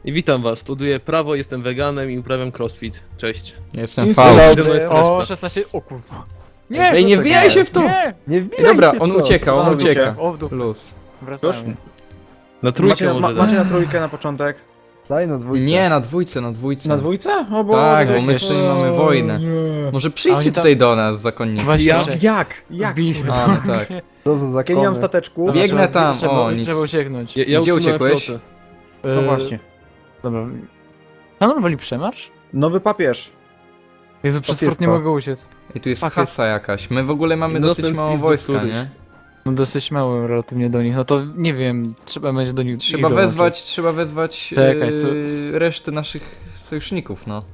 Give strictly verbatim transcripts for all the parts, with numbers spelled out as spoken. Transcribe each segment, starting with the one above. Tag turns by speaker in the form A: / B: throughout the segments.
A: I witam was, studiuję prawo, jestem weganem i uprawiam crossfit. Cześć.
B: Jestem
C: Nic
B: Faust.
C: nie
A: Ze mną jest
C: O,
A: reszta.
D: szesnaście, o kurwa.
B: Ej, nie wbijaj się w to!
C: Nie, nie
B: Ej,
C: wbijaj
B: dobra,
C: się
B: on
C: w to.
B: ucieka, on
C: A,
B: ucieka.
D: O, w dół.
B: Luz.
D: Wracamy.
A: Na trójkę
C: Macie, ma,
A: może dać.
C: macie na trójkę na początek?
E: Daj na dwójce.
B: Nie, na dwójce, na dwójce.
C: Na dwójce? O bo
B: Tak, bo my jeszcze nie mamy wojny. Może
D: A
B: przyjdźcie
D: oni tam-
B: tutaj do nas, zakonnicy.
D: Właśnie,
A: Ja-
D: że-
C: Jak? Jak?
D: Wbiliśmy
B: A, no tak.
E: To za
C: Ja
E: zakony.
C: nie mam stateczku.
D: Dobra,
B: Biegnę
D: trzeba-
B: tam,
D: trzeba,
B: o, nic.
D: Trzeba ucieknąć.
A: Ja, ja
B: Gdzie
A: usunąłem
B: uciekłeś?
A: flotę.
C: No
D: E,
C: właśnie.
D: Dobra. Pan woli przemarsz?
C: Nowy papież.
D: Jezu, przez
E: Papież
D: fort nie
E: co?
D: mogę uciec.
B: I tu jest
D: Fuck.
B: kasa jakaś. My w ogóle mamy
A: No,
B: dosyć
A: ten
B: mało
A: pizdu
B: wojska,
A: któryś.
B: nie?
D: No dosyć mało relatywnie do nich. No to nie wiem, trzeba będzie do nich
B: Trzeba
D: ich dołączyć.
B: wezwać, trzeba wezwać
D: Czekaj,
B: yy,
D: so-
B: resztę naszych sojuszników, no.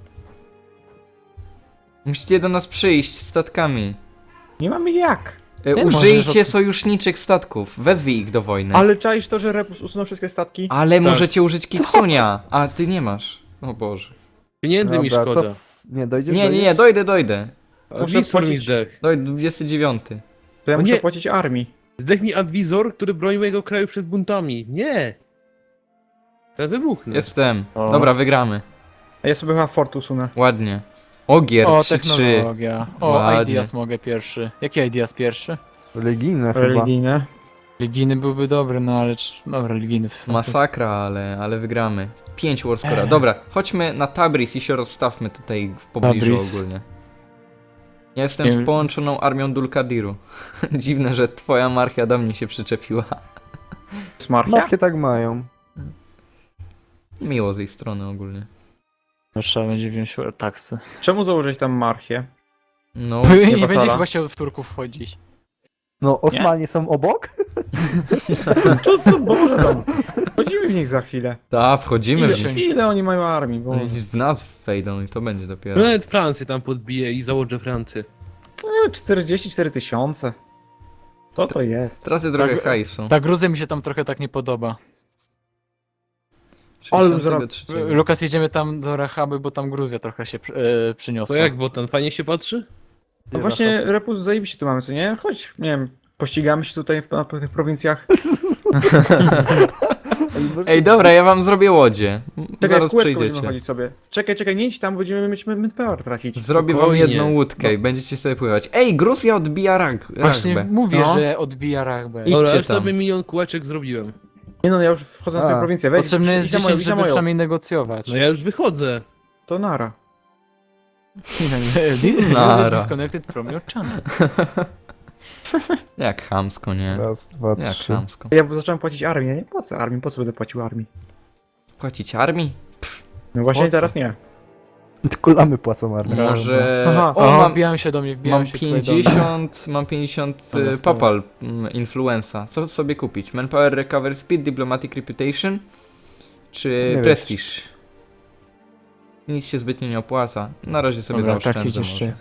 B: Musicie do nas przyjść statkami.
C: Nie mamy jak.
B: E,
D: Ty
B: użyjcie
D: możesz-
B: sojuszniczych statków. Wezwij ich do wojny.
C: Ale czaisz to, że Repus usunął wszystkie statki?
B: Ale
A: Tak.
B: możecie użyć Kiksunia, a ty nie masz. O Boże.
A: Pieniędzy mi
E: Dobra,
A: szkoda.
E: co w- Nie, dojdziesz,
B: Nie, nie,
E: dojdziesz?
B: nie, dojdę, dojdę.
C: Muszę
A: Adwisor mi
C: płacić-
A: zdech.
B: Dojdę, dwudziesty dziewiąty.
C: To ja
A: O
C: muszę
A: nie.
C: płacić armii.
A: Zdech mi adwizor, który broni mojego kraju przed buntami. Nie! Ja wybuchnę.
B: Jestem.
D: O.
B: Dobra, wygramy.
C: A ja sobie chyba fort usunę.
B: Ładnie. Ogier,
D: O,
B: trzy trzy.
D: technologia. O,
B: Ładnie.
D: Ideas mogę pierwszy. Jaki Ideas pierwszy?
E: Religijne chyba.
C: Religijne.
D: Religijny byłby dobry, no ale... czy- Dobra, religijny.
B: Masakra, ale, ale wygramy. Pięć warscora. Dobra, chodźmy na Tabriz i się rozstawmy tutaj w pobliżu
D: Tabriz.
B: ogólnie. Ja jestem
D: Nie
B: z
D: wiem.
B: połączoną armią Dulkadiru. Dziwne, że twoja marchia do mnie się przyczepiła.
C: Smarchia?
E: Markie tak mają.
B: Miło z jej strony ogólnie.
D: Trzeba będzie wziąć taksy.
C: Czemu założyć tam marchię?
B: No,
D: Nie, nie
C: pasala.
D: będzie chyba chciał w Turków wchodzić.
E: No, Osmanie są obok?
C: To, to Boże tam. Wchodzimy w nich za chwilę.
B: ta, wchodzimy
C: Ile,
B: w nich.
C: ile oni mają armii? Bo...
B: Oni w nas wejdą i to będzie dopiero.
A: Nawet Francję tam podbiję i założę Francję.
C: E, czterdzieści cztery tysiące. Co to jest?
B: Tracę trochę
D: Tak,
B: hajsu.
D: Ta Gruzja mi się tam trochę tak nie podoba.
C: Ale
B: sześćdziesiątego trzeciego.
D: Lukas, jedziemy tam do Rachaby, bo tam Gruzja trochę się e, przyniosła.
A: To jak Wotan, fajnie się patrzy?
C: No właśnie, Repus zajebiście tu mamy, co nie? Chodź, nie wiem, pościgamy się tutaj w, na tych prowincjach.
B: Ej, dobra, ja wam zrobię łodzie.
C: Czekaj, w
B: Zaraz
C: kółeczko będziemy
B: przyjdziecie.
C: chodzić sobie. Czekaj, czekaj, nie idź tam, będziemy mieć manpower tracić.
B: Zrobię wam
A: Spokojnie.
B: jedną łódkę i będziecie sobie pływać. Ej, Gruzja odbija rag,
D: Właśnie
B: ragbę.
D: mówię,
C: No.
D: że odbija Rachbę.
B: I-
A: Dobra,
B: Idźcie
A: już
B: tam.
A: sobie milion kółeczek zrobiłem.
C: Nie no, ja już wchodzę na
E: A.
C: twoją prowincję, weź.
D: Potrzebne jest
C: idź za moją,
D: dziesięć,
C: idź za
D: żeby
C: moją.
D: przynajmniej negocjować.
A: No ja już wychodzę.
C: To nara.
D: This
B: Nara.
D: is disconnected from your channel.
B: Jak chamsko, nie?
E: Raz, dwa,
B: Jak
E: trzy.
B: chamsko.
C: Ja zacząłem płacić armię, nie płacę armii, po co będę płacił armii?
B: Płacić armii?
C: No właśnie
B: Po co?
C: teraz nie.
E: Tylko lamy płacą armię.
B: Może...
C: Aha.
B: O,
D: O,
B: mam,
D: wbijają się do mnie, wbijają
B: mam
D: się tutaj do mnie.
B: pięćdziesiąt, mam pięćdziesiąt
D: Dobra,
B: y,
D: stała.
B: papal mm, influenza. Co sobie kupić? Manpower, Recover Speed, Diplomatic Reputation czy
E: Nie
B: Prestige? Nic się zbytnio nie opłaca. Na razie sobie
D: Dobra, tak
B: zaoszczędzę
D: idziesz
B: może.
D: jeszcze.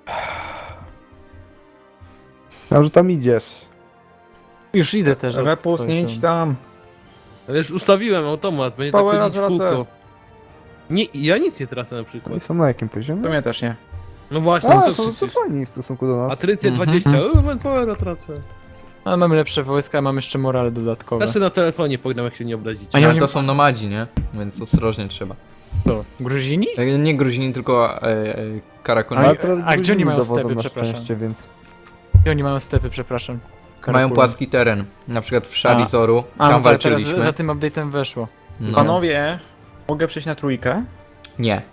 E: Wiem, że tam idziesz.
D: Już idę też. od
C: Repus,
D: twojej
C: nie idź
D: strony.
C: tam.
A: Ale już ustawiłem automat, będzie tak
C: Powera
A: chodzić w
C: tracę.
A: kółko. Nie, ja nic nie tracę na
E: Oni
A: przykład.
E: są na jakim
C: To
E: poziomie?
C: mnie też nie.
A: No właśnie,
E: A,
A: co
E: to, to
A: przecież.
E: fajnie w stosunku do nas.
A: Atrycję
B: Mhm.
A: dwadzieścia, o, manpowera tracę.
D: Ale mamy lepsze wojska, mam jeszcze morale dodatkowe.
A: Ja sobie na telefonie pogram, jak się nie obrazicie.
D: A nie,
B: Ale
D: oni-
B: to są nomadzi, nie? Więc ostrożnie trzeba.
D: To, Gruzini?
B: E, Nie Gruzini, tylko e, e, Karakoni.
E: Ale teraz
D: a gdzie
E: Gruzini
D: oni mają
E: dowodzą
D: stepy,
E: na
D: przepraszam?
E: szczęście, więc...
D: Gdzie oni mają stepy, przepraszam?
B: Mają
D: Karakulu.
B: płaski teren. Na przykład w Sharizoru.
D: A,
B: Tam
D: no tak, teraz
B: walczyliśmy.
D: za tym update'em weszło.
B: No.
C: Panowie, mogę przejść na trójkę?
B: Nie.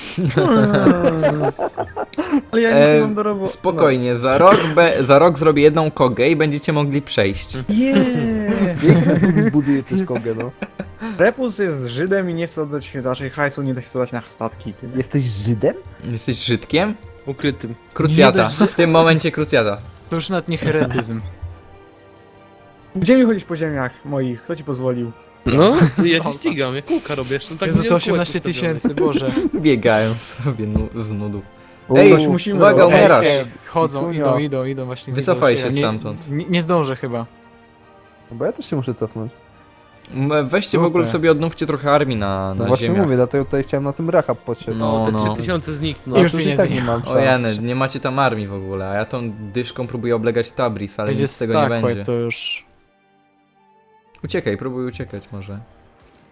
C: Ale ja
B: E,
C: nie mam do roboty.
B: Spokojnie, za rok, be, za rok zrobię jedną kogę i będziecie mogli przejść.
C: Nie.
E: Zbuduję też kogę, no.
C: Repus jest Żydem i nie chce oddać naszej hajsu, nie chce dać na statki. Tyle.
E: Jesteś Żydem?
B: Jesteś Żydkiem?
A: Ukrytym.
B: Krucjata.
D: Nie
B: W tym momencie krucjata.
D: To już nawet nie heretyzm.
C: Gdzie mi chodzić po ziemiach moich? Kto ci pozwolił?
A: No, ja się ścigam, ja kółka robię, jeszcze tak
D: Jezu,
A: milion
D: to
A: kółek
D: osiemnaście
A: ustawionych.
D: tysięcy, Boże.
B: Biegają sobie nu z nudów.
E: Ej,
C: coś musimy
B: uwaga,
C: robić.
B: umierasz.
D: Ej, chodzą,
E: Kicunio.
D: idą, idą, idą właśnie.
B: Wycofaj
D: widzą
B: się
D: Nie-
B: stamtąd.
D: Nie, nie zdążę chyba.
E: Bo ja też się muszę cofnąć.
B: M- Weźcie w
D: Super.
B: ogóle sobie odnówcie trochę armii na,
E: No
B: na
E: właśnie
B: ziemiach.
E: mówię, dlatego tutaj chciałem na tym Rahab podsiąść.
B: No,
A: Te
B: no.
A: trzy tysiące znikną.
D: I już
E: to i
D: pieniędzy
E: tak
D: nie
E: nie mam
B: O
E: szans.
B: Jany, nie macie tam armii w ogóle, a ja tą dyszką próbuję oblegać Tabriz, ale
D: Będzie
B: nic z tego nie
D: Starquake,
B: będzie.
D: to już...
B: Uciekaj, próbuj uciekać może.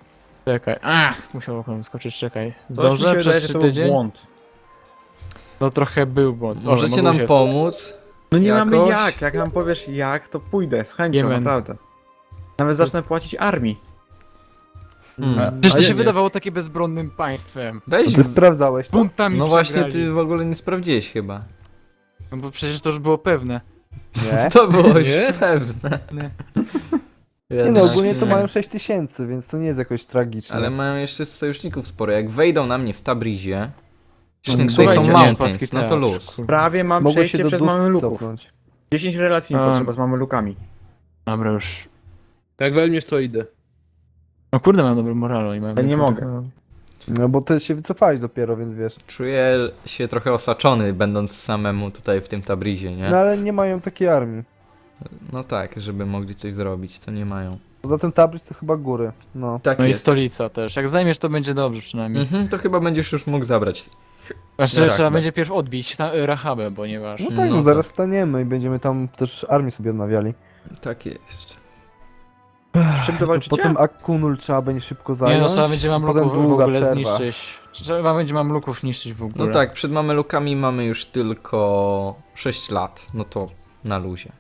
D: Czekaj. A, musiał okno skoczyć, czekaj.
C: Coś mi się
D: Zdążę
C: wydaje,
D: przez
C: że
D: trzy
C: to był
D: tydzień?
C: błąd.
D: No trochę był błąd. Dobra,
B: Możecie
D: mogło
B: nam
D: się-
B: pomóc?
C: No nie mamy
B: Jakoś?
C: jak, jak nam powiesz jak, to pójdę, z chęcią,
D: Jemen.
C: naprawdę. Nawet zacznę płacić armii.
B: Hmm.
D: Przecież to
A: A
D: się
A: nie.
D: wydawało takie bezbronnym państwem.
B: Weź,
E: Ty sprawdzałeś to?
D: Buntami
B: no właśnie
D: przegrali.
B: ty w ogóle nie sprawdziłeś chyba.
D: No bo przecież to już było pewne.
E: Nie.
B: To było już
A: Nie?
B: pewne.
D: Nie.
E: Nie no, ogólnie to
B: nie.
E: mają sześć tysięcy, więc to nie jest jakoś tragiczne.
B: Ale mają jeszcze sojuszników sporo. Jak wejdą na mnie w Tabrizie, wcześniej
D: Mm,
B: tutaj są
C: słuchajcie,
B: mountains,
D: paski
B: no to
D: teatr,
B: luz.
D: kurwa.
C: Prawie mam
E: Mogło
C: przejście
E: się do
C: przez
E: dust
C: Mameluków.
E: cofnąć.
C: dziesięć relacji mi
D: A.
C: potrzeba z Mamelukami.
D: Dobra, już.
A: Jak weźmiesz, to idę.
D: No kurde, mam dobry moral i mam...
C: Ja nie mogę.
E: No bo ty się wycofałeś dopiero, więc wiesz.
B: Czuję się trochę osaczony, będąc samemu tutaj w tym Tabrizie, nie?
E: No ale nie mają takiej armii.
B: No tak, żeby mogli coś zrobić, to nie mają.
E: Poza tym Tabriz to chyba góry. No.
B: Tak
D: No i
B: jest.
D: stolica też. Jak zajmiesz, to będzie dobrze przynajmniej.
B: Mhm, to chyba będziesz już mógł zabrać.
D: Znaczy,
B: tak,
D: trzeba
B: tak.
D: będzie pierw odbić ta, Rahabę, ponieważ...
E: No tak,
B: No
E: no,
B: tak.
E: zaraz staniemy i będziemy tam też armię sobie odnawiali.
B: Tak jest.
C: Czym to
E: To
C: walczycie?
E: potem Akunul trzeba będzie szybko zająć.
D: Nie no, trzeba będzie
E: potem
D: mamluków w
E: długa
D: ogóle
E: przerwa.
D: zniszczyć. Trzeba będzie mamluków niszczyć w ogóle.
B: No tak, przed Mamelukami mamy już tylko sześć lat. No to na luzie.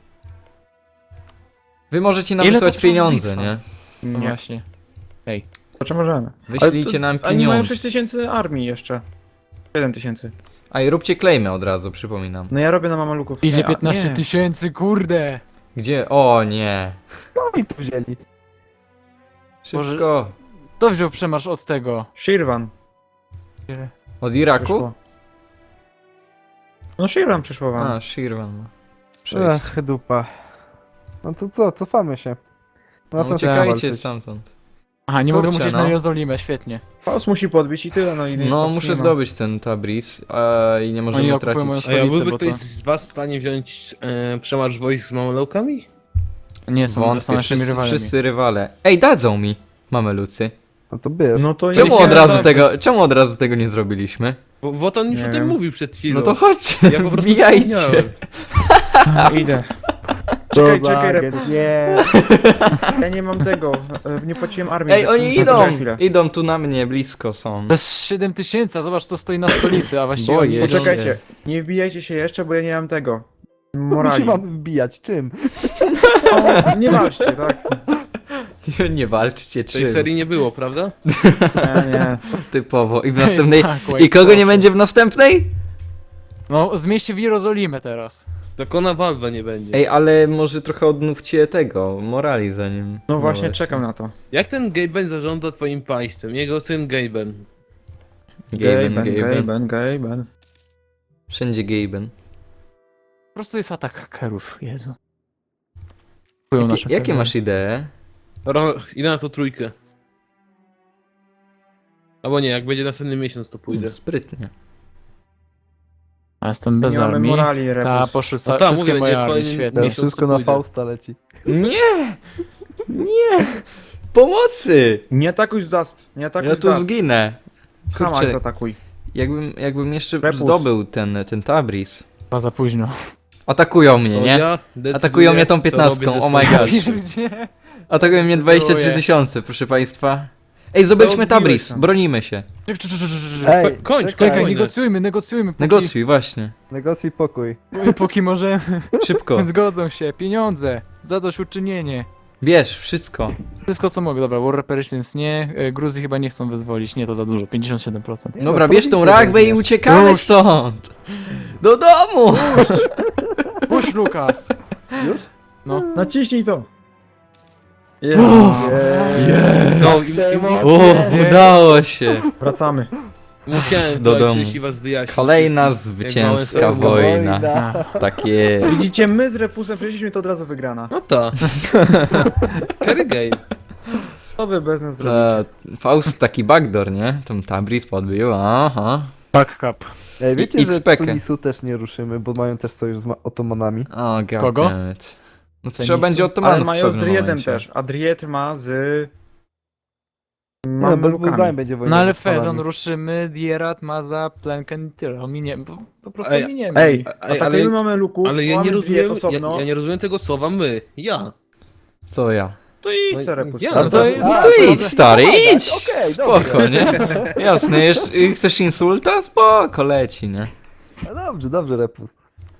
B: Wy możecie nam
D: Ile to
B: wysłać
D: trwa
B: pieniądze,
D: bitwa?
B: nie?
D: No
C: Nie.
D: właśnie.
C: Znaczy możemy.
B: Wyślijcie
C: Ale to-
B: nam
C: Oni mają
B: pieniądze.
C: sześć tysięcy armii jeszcze. siedem tysięcy.
B: A i róbcie klejmy od razu, przypominam.
C: No ja robię na Mameluków.
D: Idzie
C: Nie, a-
D: piętnaście
C: nie.
D: tysięcy, kurde!
B: Gdzie? O nie.
E: No i tu wzięli.
B: Szybko.
D: Kto wziął przemarsz od tego?
C: Shirvan
B: Od Iraku?
C: przyszło. No Shirvan przyszło wam.
B: A, Shirvan. Przejść.
E: Ech, dupa. No to co, cofamy się.
B: No,
E: Ma sens
B: uciekajcie
E: walczyć.
B: stamtąd.
D: Aha, nie mogę
B: Kurczę,
D: musieć
B: no.
D: na Jerozolimę, świetnie.
C: Faust musi podbić i tyle, no i
B: No,
C: nie
B: muszę
C: ma.
B: zdobyć ten Tabriz a, i nie możemy
D: Oni okupują
B: tracić.
D: moją
A: A ja
D: stolicę,
A: byłby
D: bo
A: ktoś
D: to...
A: z was w stanie wziąć e, przemarsz wojsk z Mameloukami?
D: Nie są, są
B: Wątpię,
D: naszymi
B: wszyscy,
D: rywalami.
B: wszyscy rywale. Ej, dadzą mi, mamelucy.
E: No to bierz.
C: No to
B: Czemu
C: nie-
B: od razu
A: dobra.
B: tego, czemu od razu tego nie zrobiliśmy?
A: Bo Wotan już
C: Nie
A: o tym
C: wiem.
A: mówił przed chwilą.
B: No to chodźcie,
A: ja po prostu
B: wbijajcie.
A: zapomniałem.
C: Idę.
E: Co
C: Czekaj,
E: za
C: czekaj,
E: agent,
C: Repus.
E: nie.
C: Ja nie mam tego. e, Nie płaciłem armii.
B: Ej, oni
C: Poczekaj
B: idą,
C: chwilę.
B: idą tu na mnie, blisko są.
D: To jest siedem tysięcy, a zobacz co stoi na stolicy, a właściwie...
B: Boję
D: oni-
B: się.
C: Poczekajcie, nie wbijajcie się jeszcze, bo ja nie mam tego.
E: My
C: Morali.
E: się mamy wbijać, czym?
C: O, nie walczcie, tak?
B: Nie walczcie,
A: Tej
B: czy
A: serii nie było, prawda?
C: Nie, nie.
B: typowo. I w
D: To jest
B: następnej...
D: tak,
B: I kogo nie
D: proszę.
B: będzie w następnej?
D: No, zmieście w Jerozolimę teraz.
A: Zakona Valve nie będzie.
B: Ej, ale może trochę odnówcie tego, morali zanim...
C: No właśnie, czekam na to.
A: Jak ten Gaben zarządza twoim państwem? Jego syn Gaben.
B: Gaben, Gaben.
C: Gaben, Gaben.
B: Wszędzie Gaben.
D: Po prostu jest atak hakerów, Jezu. Kupują nasze
B: Jakie, jakie
D: serwery.
B: masz idee?
A: Ro, idę na to trójkę. Albo nie, jak będzie następny miesiąc, to pójdę.
B: Hmm, sprytnie.
D: A jestem bez
C: Nie mamy
D: armii.
C: morali,
D: Ta,
C: Repus.
D: poszły
A: No
D: ca-
A: tak,
D: wszystkie
A: mówię,
D: moje
A: nie,
D: armie,
A: kolejny
D: świetnie.
E: Teraz
A: miesiąc
E: wszystko
A: to
E: na
A: pójdę.
E: Fausta leci.
B: Nie! Nie! Pomocy!
C: Nie atakuj z Dust, nie atakuj
B: Ja
C: z
B: tu
C: Dust.
B: zginę.
C: Hamak
B: Kurczę,
C: zaatakuj.
B: jakbym, jakbym jeszcze
C: Repus.
B: zdobył ten, ten Tabriz.
D: Chyba za późno.
B: Atakują mnie,
A: To
B: nie?
A: ja decyduję,
B: Atakują mnie tą
A: co
B: piętnastką,
A: robię ze
B: oh my
A: swoim
B: gosh.
A: życiem.
D: Pierdzie.
B: Atakują mnie dwadzieścia trzy tysiące, proszę państwa. Ej, zdobyliśmy
C: odbiłeś
B: Tabriz,
C: tam.
B: bronimy się.
D: Czek, czek, czek, czek, czek, czek.
E: Ej,
A: Ko- kończ,
E: czekaj,
D: Czekaj,
A: wojnę.
D: negocjujmy, negocjujmy. Póki,
B: Negocjuj, właśnie.
E: negocjuj pokój.
D: Póki możemy.
B: Szybko.
D: Zgodzą się. Pieniądze. Zadośćuczynienie.
B: Bierz, wszystko.
D: Wszystko co mogę. Dobra, War Reparations nie. E, Gruzji chyba nie chcą wyzwolić. Nie, to za dużo. pięćdziesiąt siedem procent.
E: Nie
B: Dobra,
E: no,
B: bierz tą
E: prowincję
B: rachbę i
E: weźmiesz.
B: uciekamy
D: Już.
B: stąd. Do domu!
D: Puść, Lukas.
E: Już?
D: No.
C: Naciśnij to.
E: Jest.
A: No, i, i,
B: O, udało się.
C: Wracamy.
A: musiałem
B: Do
A: to
B: domu.
A: ojczyś i was wyjaśnić.
B: Kolejna
A: wszystkich, jak
B: zwycięska
A: małe słowo.
B: wojna.
D: A.
B: Takie.
C: Widzicie, my z Repusem przeszliśmy to od razu wygrana.
A: No to. Carry game.
C: Co wy bez nas zrobicie?
B: E, Faust taki backdoor, nie? Tam Tabriz podbił, aha.
D: Back cup.
E: Ej, wiecie,
B: I-
E: że
B: X-Pekę.
E: Tunisu też nie ruszymy, bo mają też sojusz z ma- Otomanami.
B: O, god
D: Kogo?
B: damn it. No to
D: Cenicie?
B: trzeba będzie
C: Ale
B: Ottomanów w
C: mają z
B: pewnym
C: Driedem
B: momencie.
C: też, a Dried ma z...
E: No, bez
C: Mamlukami.
E: Buzaim będzie wojna
D: No ale
E: z Osmanami.
D: Fezon ruszymy, Dierat, Maza, Plenken, tyle. Ominiemy. Po, po prostu
A: Ej,
D: ominiemy.
C: Ej,
A: Ej, ale-
C: atakujemy mamy luków,
A: Ale ja nie
C: mamy
A: rozumiem,
C: Dried
A: ja,
C: osobno.
A: ja nie rozumiem tego słowa my. Ja.
B: Co ja?
C: to idź,
A: No i-
C: Repus.
A: ja-
B: No
A: No
B: to,
A: to-
B: no
E: a,
B: to
E: to
B: idź,
E: może
B: stary,
E: pomagać.
B: idź!
E: Okej,
B: Spoko,
E: dobrze.
B: nie? Jasne, jeszcze, y, chcesz insulta? Spoko, leci, nie?
E: No dobrze, dobrze, Repus.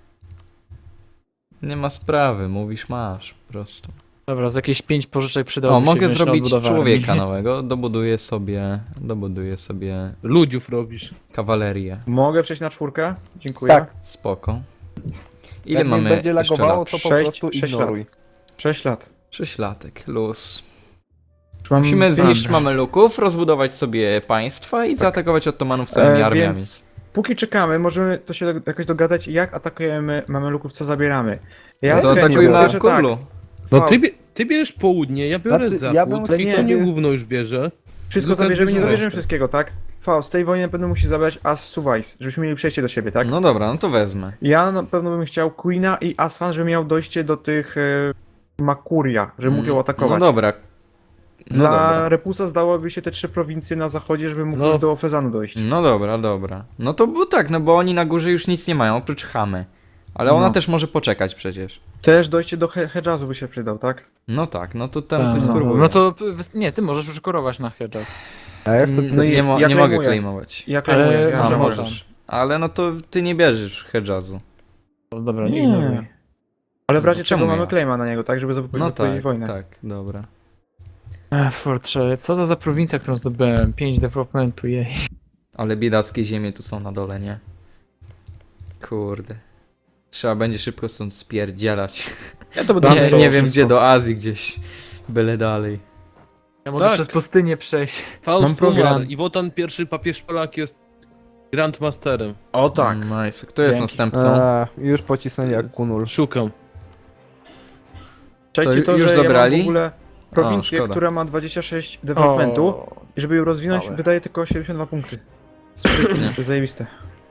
B: Nie ma sprawy, mówisz masz, po prostu.
D: Dobra, z jakieś pięć pożyczek przydałoby
B: O,
D: się
B: mogę
D: wziąć na
B: zrobić
D: odbudowę
B: człowieka
D: armii.
B: nowego, dobuduję sobie, dobuduję sobie
A: Ludziów robisz.
B: kawalerię.
C: Mogę przejść na czwórkę? Dziękuję.
E: Tak.
B: Spoko. Ile
E: Jak mnie
B: mamy
E: będzie
B: jeszcze
E: lagowało,
B: lat?
E: to po
C: Sześć-
E: prostu
C: sześć
E: ignoruj.
C: Sześć lat.
B: Sześć latek, luz.
C: Już mam
B: Musimy
C: pięć-
B: zniszczyć Mameluków, rozbudować sobie państwa i zaatakować Ottomanów całymi
C: E,
B: armiami.
C: Więc póki czekamy, możemy to się jakoś dogadać, jak atakujemy Mameluków, co zabieramy. Ja
B: Zaatakujmy
C: biorę, że
B: Akulu.
C: tak,
A: No
C: Faust,
A: ty, bie- ty bierzesz południe, ja biorę
E: Znaczy,
A: zachód,
E: ja bym
A: i co
C: chciał-
A: nie gówno już bierze.
C: Wszystko
A: Lukas
C: zabierzemy, nie
A: bierze
C: zabierzemy
A: resztę.
C: wszystkiego, tak? Faust, z tej wojny na pewno musi zabrać As Suwais, żebyśmy mieli przejście do siebie, tak?
B: No dobra, no to wezmę.
C: Ja na pewno bym chciał Queena i Asfan, żeby miał dojście do tych e, Makuria, żeby mógł ją
B: No
C: atakować.
B: dobra. No
C: Dla
B: dobra.
C: Repusa zdałoby się te trzy prowincje na zachodzie, żeby mógł
A: No.
C: już do Fezanu dojść.
B: No dobra, dobra. No to było tak, no bo oni na górze już nic nie mają, oprócz Hamy. Ale ona
C: No.
B: też może poczekać przecież.
C: Też dojście do He- Hedżazu by się przydał, tak?
B: No tak, no to tam
D: Tak,
B: coś
D: no,
B: spróbuję.
D: no to p- wys- nie, ty możesz już korować na Hedges.
E: A ja chcę...
C: No i
B: nie, mo-
C: ja
B: nie mogę
C: klejmuję.
B: claimować.
C: Ja klejmuję,
D: Ale
C: ja
B: A,
D: może
C: że
D: można.
B: możesz. Ale no to ty nie bierzesz Hedżazu.
D: Dobra, nie
C: Nie.
D: ignoruj.
C: Ale w razie
B: Czemu
C: czego mamy
B: ja?
C: claima na niego, tak? Żeby zapowiedzieć
B: No
C: odpowiedzieć
B: tak,
C: wojnę.
B: tak, dobra.
D: Ech, Fortrze, co to za prowincja, którą zdobyłem? pięć developmentu, jej.
B: Ale biedackie ziemie tu są na dole, nie? Kurde. Trzeba będzie szybko stąd spierdzielać.
C: Ja to będę
B: Nie,
C: montował
B: nie wiem
C: wszystko.
B: gdzie, do Azji gdzieś. Byle dalej.
D: Ja mogę
A: Tak.
D: przez pustynię przejść.
A: Faust
C: Mam program.
A: umarł i Wotan pierwszy papież Polak jest Grandmasterem.
C: O tak.
B: Nice. Kto jest
C: Dzięki.
B: następcą?
E: A, już pocisnęli jak kunul.
A: Szukam.
C: Czekajcie
B: Co,
C: to,
B: już
C: że
B: zabrali?
C: ja mam w ogóle prowincję,
B: szkoda.
C: która ma dwadzieścia sześć developmentu
D: O,
C: i żeby ją rozwinąć
D: małe.
C: wydaje tylko siedemdziesiąt dwa punkty.
B: Sprytnie.
C: To jest zajebiste.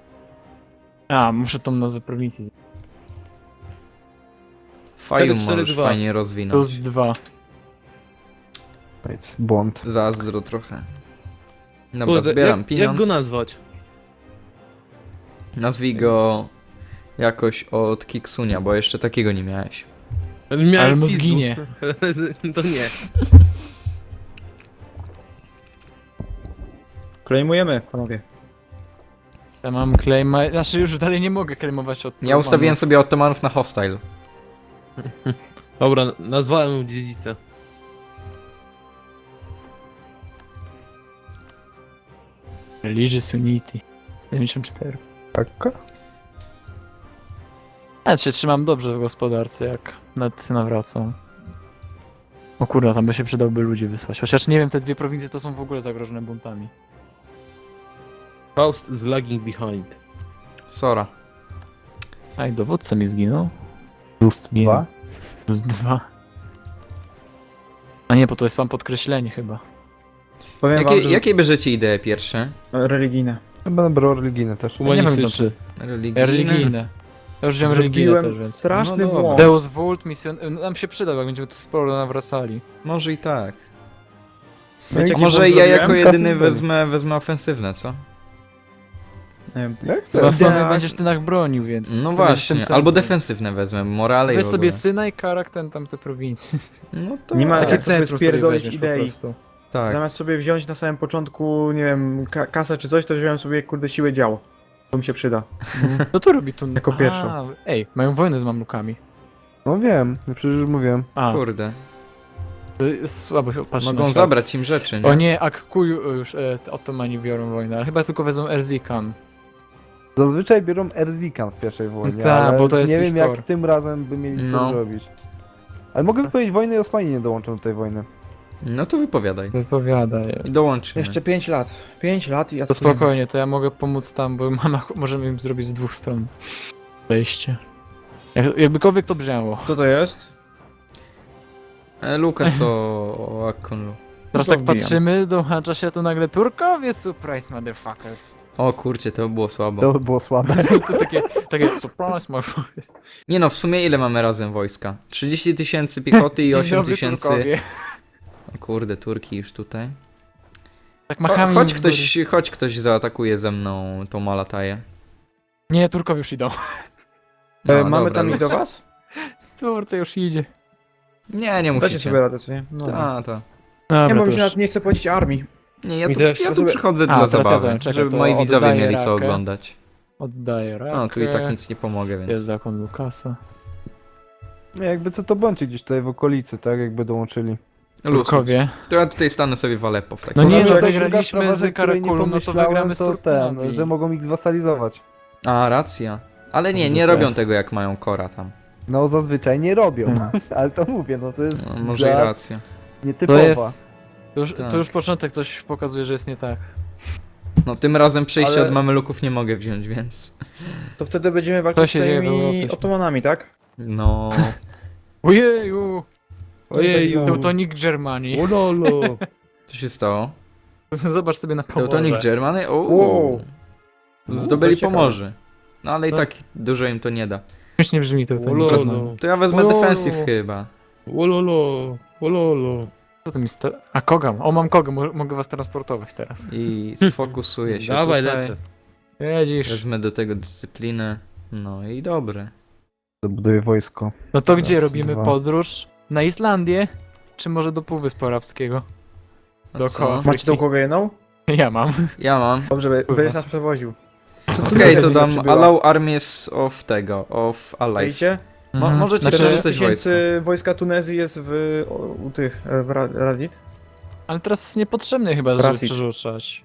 D: A, muszę tą nazwę prowincji. z-
B: Fajum
A: cztery
B: możesz
A: dwa.
B: fajnie rozwinąć.
D: Plus dwa.
E: Nic, błąd.
B: Zazdro trochę. Dobra,
A: Kurde,
B: zbieram
A: jak,
B: pieniądz.
A: jak go nazwać?
B: Nazwij go jakoś od Kiksunia, bo jeszcze takiego nie miałeś.
A: Miałem
D: Ale mu
A: pizdu.
D: zginie.
A: To nie.
C: Klejmujemy, panowie.
D: Ja mam claima, znaczy już dalej nie mogę claimować od
B: Ja ustawiłem sobie Ottomanów na hostile.
A: Dobra, nazwałem dziedzicę.
D: Religious Unity. dziewięćdziesiąt cztery.
E: Tak?
D: Ja się trzymam dobrze w gospodarce, jak nad nawracam. O kurwa, tam by się przydałby ludzi wysłać. Chociaż nie wiem, te dwie prowincje to są w ogóle zagrożone buntami.
A: Faust is lagging behind.
B: Sora.
D: A i dowódca mi zginął.
E: Plus
D: Nie.
E: dwa?
D: Plus dwa. A nie, bo to jest wam podkreślenie chyba.
C: Powiem
B: Jakie,
C: wam, że
B: jakie bierzecie idee pierwsze?
C: religijne.
E: Chyba będę brał religijne też.
D: Ja nie wiem,
A: Humanistyczny.
B: Religijne?
D: Religijne. Ja już wziąłem religijne też,
C: Zrobiłem
D: więc.
C: straszny
B: No dobra.
C: błąd.
D: Deus Vult, misjon... nam się przyda, jak będziemy tu sporo nawracali.
B: Może i tak.
C: Wiecie,
B: A
C: jaki
B: może
C: błąd
B: ja
C: zrobiłem?
B: jako
E: Kasy
B: jedyny
E: zbędne.
B: wezmę, wezmę ofensywne, co?
C: Nie wiem.
E: Jak
D: Za
E: chcesz?
D: sumie
C: Tak.
D: będziesz ty nach bronił, więc.
B: No
D: to będziesz
B: właśnie,
D: tym
B: albo
D: centrum.
B: defensywne wezmę, morale i
D: Weź
B: w
D: sobie
B: ogóle.
D: syna i karak ten tam te prowincje.
B: No to
C: Nie ma
B: tak,
C: jak sobie
D: centrum
C: spierdolić
D: weźmiesz po
C: idei.
D: prostu.
B: tak.
C: Zamiast sobie wziąć na samym początku, nie wiem, ka kasę czy coś, to wziąłem sobie, kurde, siłę działo. To mi się przyda.
D: Co tu robi tu?
C: Jako pierwszą.
D: A, ej, mają wojnę z mamlukami.
E: No wiem, przecież już mówiłem.
D: A,
B: Kurde.
D: to jest słabo się patrzy na
B: Mogą
D: świat.
B: zabrać im rzeczy, nie?
D: O nie, Akkuju już e, te Ottomani biorą wojnę, ale chyba tylko wezmą Erzikan.
E: Zazwyczaj biorą Erzikan w pierwszej wojnie,
D: Tak,
E: ale
D: bo to jest
E: nie
D: ich
E: wiem jak
D: core.
E: tym razem by mieli co
B: No.
E: zrobić. Ale mogę wypowiedzieć wojnę i Osmani nie dołączą do tej wojny.
B: No to wypowiadaj.
D: Wypowiadaj.
B: I dołączymy.
C: Jeszcze pięć lat. pięć lat i ja
D: To spokojnie, to ja mogę pomóc tam, bo mama, możemy im zrobić z dwóch stron wejście. Jak, jakbykolwiek to brzmiało.
C: Co to jest?
B: E, Lukas o, o Akkonlu.
D: Teraz
C: to
D: tak
C: wbijam.
D: patrzymy, dołącza się tu nagle Turkowie, surprise motherfuckers.
B: O kurcie, to by było słabo.
E: To by było słabe.
D: To takie, takie surprise motherfuckers.
B: Nie no, w sumie ile mamy razem wojska? trzydzieści tysięcy piechoty i
D: Dzień
B: osiem
D: dobry,
B: tysięcy...
D: Turkowie.
B: O kurde, Turki już tutaj.
D: Tak
B: O,
D: machamy
B: chodź
D: im w
B: ktoś, chodź ktoś zaatakuje ze mną tą Malataję.
D: góry. Nie, Turkowie już idą.
B: No,
C: e, mamy
B: dobra,
C: tam iść
B: luz.
C: do was?
D: Turcja już idzie.
B: Nie, nie
C: Dacie
B: musicie.
C: sobie radę, co nie? No.
B: Ta, ta.
D: Dobra,
C: Nie, bo
D: to
C: mi się
D: już...
C: nawet nie chce płacić armii.
B: Nie, ja
A: Mi
B: tu,
A: też.
B: ja tu
C: sobie-
B: przychodzę
D: A,
B: dla
D: teraz ja
B: zabawy,
D: zająłem, czekaj,
B: żeby
D: to
B: moi widzowie
D: oddaję
B: mieli co
D: rakę.
B: oglądać.
D: Oddaję rakę.
B: No, tu i tak nic nie pomogę,
D: Jest
B: więc...
D: zakon Lukasa.
E: Nie, jakby co to bądźcie gdzieś tutaj w okolicy, tak? Jakby dołączyli.
B: Luz.
D: Turkowie.
B: To ja tutaj stanę sobie w Aleppo w takim
D: No nie,
B: razie.
D: no
E: to
D: to
E: druga
D: graliśmy
E: sprawa,
D: z
E: że której nie
D: Karakulum, no to
E: pomyślałem,
D: wygramy z
E: to ten,
D: Turkami.
E: że mogą ich zwasalizować.
B: A, racja. Ale nie, nie
D: Zwykle.
B: robią tego jak mają Kora tam.
E: No zazwyczaj nie robią,
D: Hmm.
E: ale to mówię, no to jest
B: No, może i
E: gra
B: racja.
E: nietypowa.
D: To jest- To już,
B: Tak.
D: to już początek coś pokazuje, że jest nie tak.
B: No tym razem przejścia
C: Ale-
B: od mameluków nie mogę wziąć, więc...
C: To wtedy będziemy
D: To
C: walczyć z
D: się dzieje w
C: tymi
D: Europie.
C: otomanami, tak?
B: No...
D: Ojeju!
A: Ojeju.
D: Teutonic Germany.
A: Ololo.
B: Co się stało?
D: Zobacz sobie na Pomorze.
B: Teutonic Germany? O,
C: Wow.
B: zdobyli
C: To ciekawe.
B: Pomorze. No ale i
D: No.
B: tak dużo im to nie da.
D: Śmiesznie brzmi Teutonic Germany.
A: Ololo.
B: To ja wezmę
D: O.
B: defensyw chyba.
A: Ololo. Ololo.
D: Co to mi sta... A Kogam. O, mam Kogę, mo- mogę was transportować teraz.
B: I sfokusuję się
A: Dawaj,
B: tutaj.
A: lecę.
D: Jedzisz.
B: Wezmę do tego dyscyplinę. No i dobre.
E: Zabuduję wojsko.
D: No to
E: Raz,
D: gdzie robimy
E: dwa.
D: podróż? Na Islandię? Czy może do Półwyspu Arabskiego?
B: A
D: Dookoła.
B: co?
C: Macie tą głowę jedną?
D: Ja mam.
B: Ja mam.
C: Dobrze, be-
D: Kurwa.
C: będziesz nas przewoził.
B: Okej, to
C: Tunezja
B: dam
C: przybyła.
B: allow armies of tego, of allies.
C: Widzicie?
B: Mo-
D: Mhm.
B: możecie
D: Znaczy,
B: przerzucać
C: czterdzieści tysięcy wojska Tunezji jest w, o, u tych, e, w Ra- Radit.
D: Ale teraz jest niepotrzebne chyba, żeby
C: Racji.
D: przerzucać.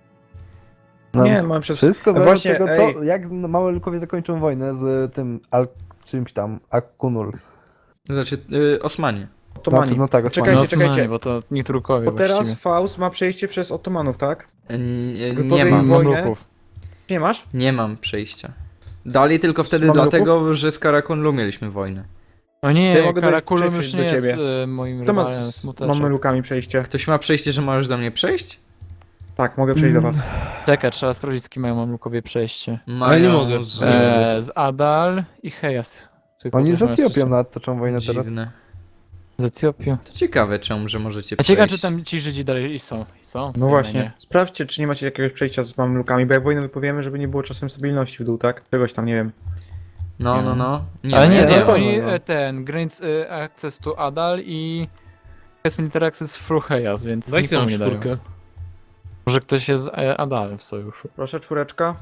E: No,
C: Nie, mam przez...
E: Wszystko zależy
C: Właśnie,
E: od tego,
C: ej.
E: co, jak z- małe lukowie zakończą wojnę z tym Al czymś tam, Akunul.
B: Znaczy, y, Osmanie.
C: Otomani.
E: Znaczy, no tak,
C: Czekajcie,
D: No,
C: czekajcie.
D: Osmanie, bo to nie Turkowie
C: Bo teraz
D: właściwie.
C: Faust ma przejście przez Otomanów, tak?
B: Y, y,
C: Wypowiedź
B: nie mam.
C: wojny.
D: Mamluków.
C: Nie masz?
B: Nie mam przejścia. Dali tylko wtedy
C: Mameluków?
B: dlatego, że z Karakunlu mieliśmy wojnę.
D: O nie,
C: Ja mogę dojść-
D: Karakulum już
C: przejść
D: nie
C: do
D: jest
C: ciebie.
D: e, moim
C: Kto ma
D: rywalem,
C: z
D: smuteczek.
C: Mamelukami przejście?
B: Ktoś ma przejście, że możesz do mnie przejść?
C: Tak, mogę przejść do was.
D: Czekaj, trzeba sprawdzić, z kim mają Mamlukowie przejście.
B: Mają
A: nie mogę.
B: Z...
A: Eee,
D: E, z Adal i Hejas. Tylko
E: Oni
D: coś
E: z
D: mają
E: Etiopią
D: stosunki.
E: nawet toczą wojnę teraz.
B: Dziwne.
D: Z Etiopią.
B: To ciekawe, czemu, że możecie
D: A ciekawe,
B: przejść.
D: czy tam ci Żydzi dalej są. I są w
C: No
D: Sejmie,
C: właśnie.
D: nie?
C: Sprawdźcie, czy nie macie jakiegoś przejścia z Mamelukami, bo jak wojnę wypowiemy, żeby nie było czasem stabilności w dół, tak? Czegoś tam, nie wiem.
B: No, no, no. Nie,
D: Ale
B: no,
D: nie,
B: ja
D: nie,
E: wiem.
D: oni
E: No.
D: e, ten, Grants e, Access to Adal i jest Military Access through Hejas, więc
A: Dajcie
D: nikomu
A: nam
D: nie dają.
A: czwórkę.
D: Może ktoś jest z e, Adalem w sojuszu.
C: Proszę, czwóreczka.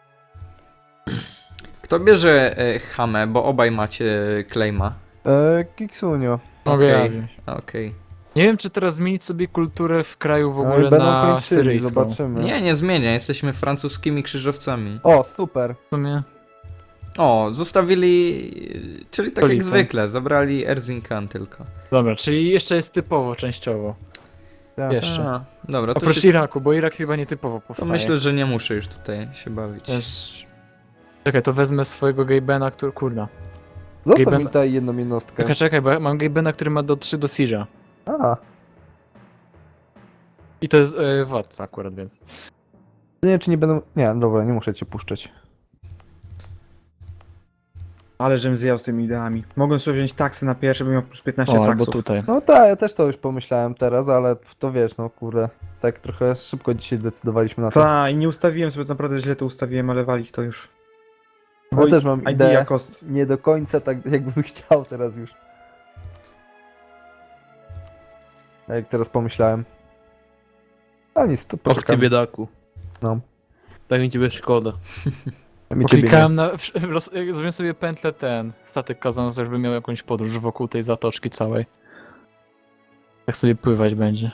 B: Kto bierze e, Hamę, bo obaj macie claima.
E: E, Kiksunio.
D: Mogę ja
B: Okej.
D: wziąć.
B: Okej.
D: Nie wiem, czy teraz zmienić sobie kulturę w kraju w
E: Ale
D: ogóle
E: będą
D: na
E: kończyli,
D: syryjską.
E: zobaczymy.
B: Nie, nie zmienia, jesteśmy francuskimi krzyżowcami.
E: O, super.
D: W sumie.
B: O, zostawili... Czyli tak jak
D: Stolicę.
B: zwykle, zabrali Erzincan tylko.
D: Dobra, czyli jeszcze jest typowo, częściowo.
E: Tak.
D: Jeszcze.
B: A, dobra, to,
D: Oprócz
B: się,
D: Iraku, bo Irak chyba nietypowo
B: to
D: powstaje.
B: myślę, że nie muszę już tutaj się bawić.
D: Też... Czekaj, to wezmę swojego Gabena, który... Kurna.
E: Zostaw
D: Gaben-
E: mi tutaj jedną jednostkę.
D: Czekaj, czekaj, bo ja mam Gabena, który ma do trzy do Siege'a.
E: A,
D: I to jest e, władca akurat, więc...
E: nie wiem czy nie będą... Nie, dobra, nie muszę cię puszczać.
C: Ale żem zjał z tymi ideami. Mogłem sobie wziąć taksy na pierwsze, bym miał plus piętnaście
D: O, albo
C: taksów.
D: tutaj.
E: No tak, ja też to już pomyślałem teraz, ale to wiesz, no kurde. Tak trochę szybko dzisiaj decydowaliśmy na to.
C: Ta, i nie ustawiłem sobie, naprawdę źle to ustawiłem, ale walić to już.
E: Ja
C: Oj,
E: też mam
C: idea
E: ideę,
C: cost.
E: nie do końca tak jakbym chciał teraz już. Jak teraz pomyślałem. A nic, to
A: Och ty
E: poczekam.
A: biedaku.
E: No.
A: Tak mi ciebie szkoda.
E: Mi ciebie nie.
D: Klikałem na... w- roz- Zrobiłem sobie pętlę ten, statek kazano, żeby miał jakąś podróż wokół tej zatoczki całej. Tak sobie pływać będzie.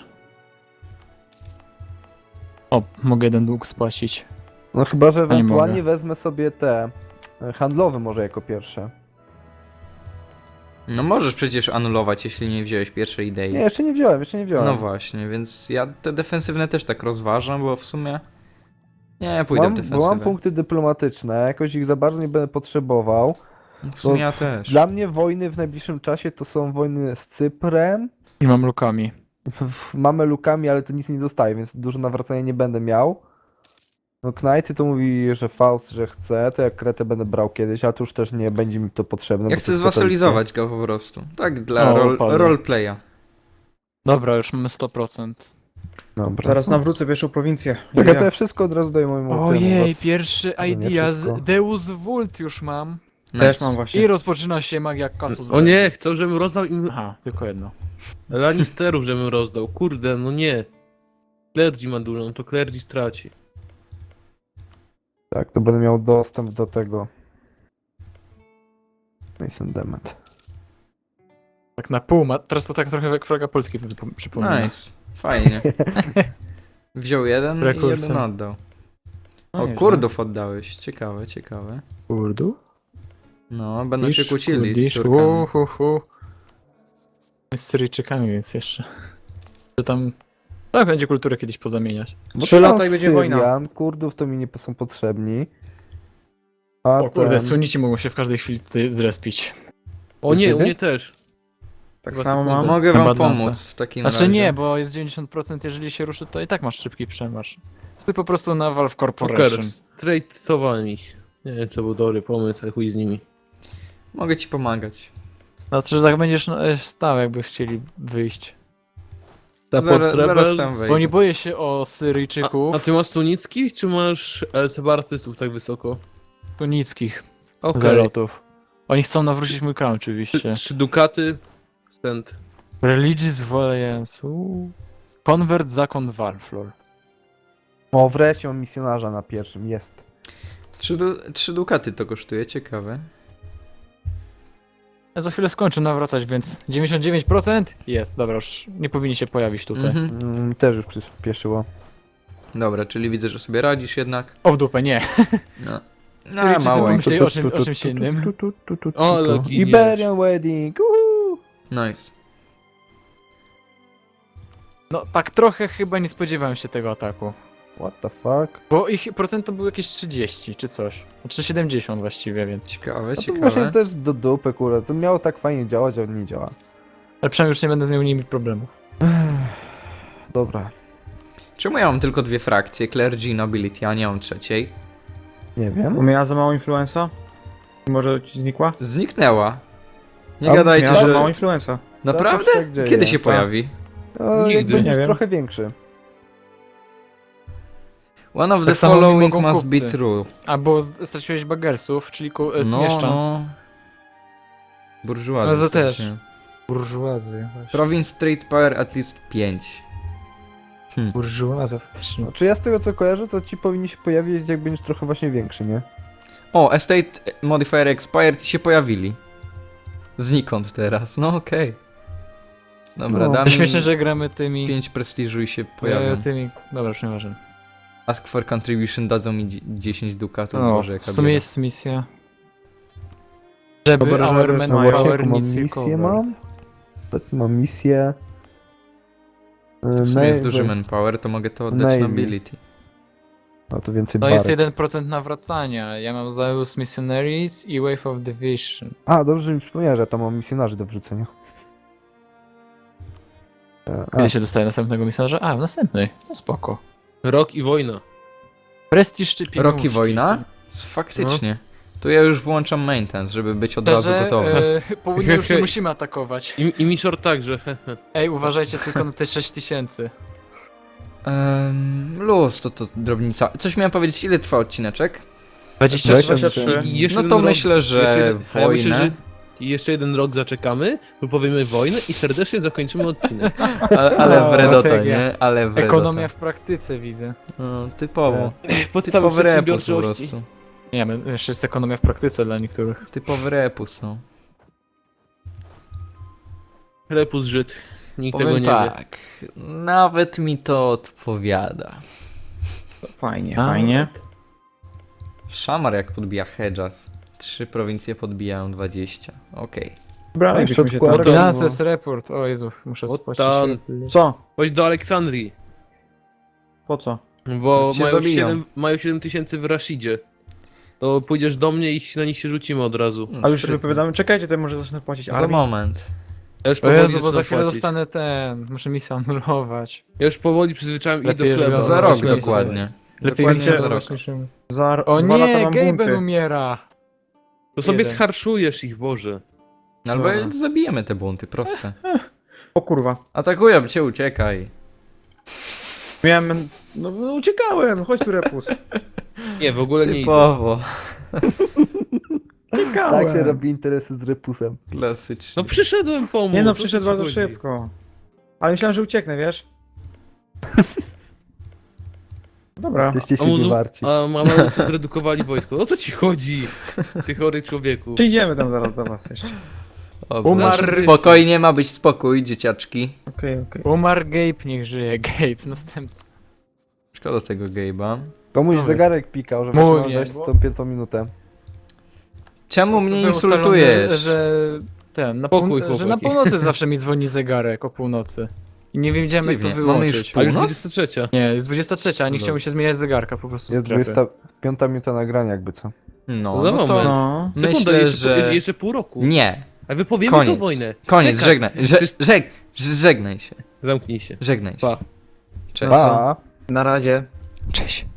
D: O, mogę jeden dług spłacić.
E: No chyba, że
D: nie
E: ewentualnie
D: mogę.
E: wezmę sobie te e, handlowe może jako pierwsze.
B: No możesz przecież anulować, jeśli nie wziąłeś pierwszej idei.
E: Nie, jeszcze nie wziąłem, jeszcze nie wziąłem.
B: No właśnie, więc ja te defensywne też tak rozważam, bo w sumie... Nie, pójdę
E: mam,
B: w
E: bo mam
B: defensywę.
E: punkty dyplomatyczne, jakoś ich za bardzo nie będę potrzebował.
B: W sumie
E: bo
B: ja też.
E: Dla mnie wojny w najbliższym czasie to są wojny z Cyprem,
D: I mam lukami.
E: w- mamy lukami, ale to nic nie zostaje, więc dużo nawracania nie będę miał. No Knajty to mówi, że Faust, że chce, to jak Kretę będę brał kiedyś, ale to już też nie będzie mi to potrzebne.
B: Ja
E: bo
B: chcę
E: to jest
B: zwasalizować go po prostu. Tak, dla
D: O,
B: rol,
D: padło.
B: roleplaya.
D: Dobra, już mamy sto procent.
E: katolickie. Dobra.
C: Zaraz nawrócę pierwszą prowincję.
E: Tak, ja
C: Idea.
E: to ja wszystko od razu daję mojemu temu,
D: Ojej,
E: was-
D: pierwszy
E: to nie
D: idea
E: wszystko.
D: z Deus Vult już mam.
C: Też
B: Nice.
C: mam właśnie.
D: I rozpoczyna się magia kasus.
A: O nie, chcą, żebym rozdał im
D: Aha, tylko jedno.
A: Lannisterów, żebym rozdał. Kurde, no nie. Clergy ma dużo, no to Clergy straci.
E: Tak, to będę miał dostęp do tego. Mason Dement.
D: Tak na pół, ma... teraz to tak trochę jak flaga Polski przypom- przypomina.
B: Nice. Fajnie. Wziął jeden i
D: Rekursem.
B: jeden oddał.
C: No
B: O,
C: nieźle.
B: kurdów oddałeś. Ciekawe, ciekawe.
D: Kurdu?
B: No, będą się kłócili z
D: Kurdisz,
B: Turkami.
D: uhuhu. Z Syryjczykami, więc jeszcze. Że tam. Tak, będzie kulturę kiedyś pozamieniać.
E: Bo
C: Trzy
E: to
C: lata
E: mam
C: i będzie wojna.
E: Syrian, Kurdów to mi nie są potrzebni. A
D: O kurde,
E: ten...
D: Sunici mogą się w każdej chwili tutaj zrespić.
A: O nie, u
E: Ciebie?
A: mnie też.
C: Tak
A: Dwa
C: samo
A: sekundy.
C: mam.
B: Mogę wam
D: Badlance.
B: pomóc w takim
D: Znaczy
B: razie.
D: nie, bo jest dziewięćdziesiąt procent, jeżeli się ruszy, to i tak masz szybki przemarsz. Ty po prostu na Valve Corporation.
A: Poker, trade'owali się. Nie wiem, to był dobry pomysł, ale chuj z nimi.
B: Mogę ci pomagać.
D: Znaczy, że tak będziesz no, e, stał, jakby chcieli wyjść.
A: Support
B: Zaraz- zaraz
A: Rebels.
B: tam wejdę.
D: Bo nie boję się o
A: A,
D: Syryjczyków,
A: a ty masz tunickich, czy masz e, separatystów tak wysoko?
D: tunickich
A: Okej.
D: zalotów. Oni chcą nawrócić mój klan oczywiście.
A: Trzy, trzy dukaty, stand.
D: Religious Valiance. uuu. Convert zakon Valflor.
E: O, wreszcie mam misjonarza na pierwszym, jest.
B: Trzy, du trzy dukaty to kosztuje, ciekawe.
D: Ja za chwilę skończę nawracać, więc dziewięćdziesiąt dziewięć procent jest. Dobra, już nie powinni się pojawić tutaj.
B: Mhm.
E: Mm, też już przyspieszyło.
B: Dobra, czyli widzę, że sobie radzisz jednak.
D: O w dupę, nie.
B: No, no
D: Syryjczycy
B: mało.
D: pomyśleli o czym- o czymś innym.
A: O, ale giniesz.
E: Iberian Wedding, uhu!
B: Nice.
D: No tak trochę chyba nie spodziewałem się tego ataku.
E: What the fuck?
D: Bo ich procent to było jakieś trzydzieści czy coś. Znaczy siedemdziesiąt właściwie, więc.
B: Ciekawe,
E: No to
B: ciekawe.
E: właśnie też do dupy, kurde. To miało tak fajnie działać, a nie działa.
D: Ale przynajmniej już nie będę z miał nimi problemów.
E: Dobra,
B: Czemu ja mam tylko dwie frakcje? Clergy i Nobility, a nie mam trzeciej?
E: nie
C: Bo
E: wiem.
C: miała za mało influenza? Może ci znikła?
B: Zniknęła. Nie
E: A
B: gadajcie,
C: Miała za mało
B: że...
C: influenza.
B: Naprawdę?
E: Zawsze tak dzieje.
B: Kiedy się
C: Tak.
B: pojawi?
E: No,
A: Nigdy.
E: jak będziesz
C: Nie wiem.
E: trochę większy.
B: One of the
D: Tak samo mi
B: following
D: mogą
B: must be
D: kupcy.
B: true.
D: Albo z- straciłeś bagersów, czyli ku, e,
B: No,
D: mieszczan.
B: no. Burżuazja.
D: No, za też.
B: strasznie.
D: Burżuazy.
B: Province Trade Power at least pięć.
D: Burżuaza.
E: Znaczy ja z tego co kojarzę, to ci powinni się pojawić jak będziesz trochę właśnie większy, nie?
B: O, Estate Modifier Expired ci się pojawili. Znikąd teraz, no okej. Dobra,
E: No.
B: dam
D: Śmieszne, że gramy tymi...
B: pięć prestiżu i się
D: e,
B: pojawią.
D: tymi... Dobra, już nieważne.
B: Ask for contribution dadzą mi dzie- dziesięć dukatów,
D: No,
B: Boże,
D: w
B: jaka
D: sumie
B: bieda.
D: jest misja. Żeby
C: Dobra,
D: our
C: że
D: men
C: no
E: właśnie,
D: power
E: jaką mam
D: needs
E: misję
D: recovered.
E: mam? Obecnie mam misję.
B: W
E: Yy,
B: sumie jest
E: Navy.
B: duży manpower, to mogę to oddać
E: Navy.
B: na ability.
E: No to więcej
D: To
E: barek.
D: jest jeden procent nawracania. Ja mam Zeus Missionaries i Wave of Division.
E: A, dobrze, że mi przypomniałeś, że ja tam mam misjonarzy do wrzucenia. E, A,
D: Kiedy się dostaje następnego misjonarza? A, w następnej. No spoko.
A: Rok i wojna.
D: Prestiż czy pieniążki?
B: Rok i wojna? S- Faktycznie. Tu ja już włączam maintenance, żeby być od razu
D: Szczerze,
B: gotowy.
D: e, południe już nie musimy atakować.
A: I, i Mishor także.
D: Ej, uważajcie tylko na te sześć tysięcy.
B: Um, luz, to to drobnica. Coś miałem powiedzieć, ile trwa odcineczek?
D: dwadzieścia
E: dwadzieścia
D: trzy.
E: trzy.
A: I jeszcze
B: No
A: jeden
B: to
A: rok,
B: myślę,
A: jeszcze
B: że
A: jeden, a ja
B: wojnę...
A: myślę, że i jeszcze jeden rok zaczekamy, powiemy wojnę i serdecznie zakończymy odcinek.
B: Ale, ale
D: O,
B: wredota,
D: strategia.
B: nie? Ale wredota.
D: Ekonomia w praktyce widzę.
B: No, typowo.
A: Podstawy
B: Typowy repus po
A: przedsiębiorczości.
B: prostu.
D: Nie wiem, jeszcze jest ekonomia w praktyce dla niektórych.
B: Typowy repus, no.
A: Repus Żyd. Nikt
B: Powiem
A: tego nie wie.
B: tak, nawet mi to odpowiada.
C: Fajnie,
D: A.
C: fajnie.
B: Szamar jak podbija Hedjas. Trzy prowincje podbijają dwadzieścia. Okej.
C: Dobra,
E: jeszcze
C: byśmy się tam...
E: odkładam.
D: Finances report. O Jezu, muszę
A: O
D: spłacić.
A: tam.
C: Co?
A: Chodź do Aleksandrii,
C: Po co?
A: bo
B: Cię
A: mają
B: zabiją.
A: siedem, mają siedem tysięcy w Rashidzie. To pójdziesz do mnie i na nich się rzucimy od razu.
B: No,
C: A już
B: sprytnie.
C: wypowiadamy, czekajcie, to może zacznę płacić
B: Za
C: armii.
B: moment.
A: Ja już
D: O
A: powoli
D: Jezu, bo za
A: zaczynam
D: chwilę
A: płacić.
D: dostanę ten. Muszę misję anulować.
A: Ja już powoli przyzwyczaiłem ich do
D: Lepiej, żeby
A: chleba.
B: Za
D: No,
B: rok
D: właśnie,
B: dokładnie.
D: Lepiej
C: Dokładnie
D: misję
B: za rok.
D: anulować.
C: Za
D: O
C: dwa lata
D: nie,
C: mam
D: Gaben
C: bunty.
D: umiera.
A: To sobie
D: Jeden.
A: scharszujesz ich, Boże.
B: Albo
D: Dobra.
B: zabijemy te bunty, proste.
C: O kurwa.
B: Atakują cię, uciekaj.
C: Miałem... No, no uciekałem, chodź tu repus.
A: Nie, w ogóle nie idę.
B: Typowo.
E: Tak się robi interesy z Repusem.
B: Klasycznie.
A: No przyszedłem pomóc.
C: Nie no,
A: o co
C: przyszedł
A: ci
C: bardzo
A: chodzi?
C: szybko. Ale myślałem, że ucieknę, wiesz? Dobra.
E: Jesteście
A: A
E: siebie
A: muzu...
E: warci.
A: A Mamalucy zredukowali wojsko. O co ci chodzi? Ty chory człowieku.
C: Przyjdziemy tam zaraz do was jeszcze.
B: Dobra.
D: Umarł.
B: Spokojnie, ma być spokój, dzieciaczki.
C: Okej, okej.
D: Umarł Gabe, niech żyje. Gabe, następca.
B: Szkoda tego Gabe'a.
E: Komuś
D: Dobra.
E: zegarek pikał, że
D: Mój
E: właśnie mam
D: nie,
E: dojść
D: bo-
E: z tą piątą minutę.
B: Czemu mnie
D: Było ustalone,
B: insultujesz?
D: Że ten, na,
A: Pokój,
D: pół... że na
A: chłopaki.
D: północy zawsze mi dzwoni zegarek o północy. I nie wiedziałem jak to
B: Dziwnie. Mamy już
D: wyłączyć.
A: A już
B: Północ?
A: dwudziesta trzecia.
D: Nie, jest dwudziesta trzecia, a nie
A: No.
D: chciał mi się zmieniać zegarka po prostu
E: Jest
D: strefy.
E: dwudziesta piąta minuta nagrania jakby co.
B: No,
A: Za
B: no to...
A: moment.
C: No.
A: Sekunda,
B: Myślę,
A: jeszcze,
B: że-
A: jeszcze pół roku.
B: Nie,
A: A wypowiemy
B: koniec.
A: to wojnę.
B: Koniec,
A: Czekaj.
B: żegnaj. Że,
A: Czyż-
B: żeg, żegnaj się.
A: Zamknij się.
B: Żegnaj się.
A: Pa.
B: Cześć.
E: Pa!
C: Na razie.
B: Cześć.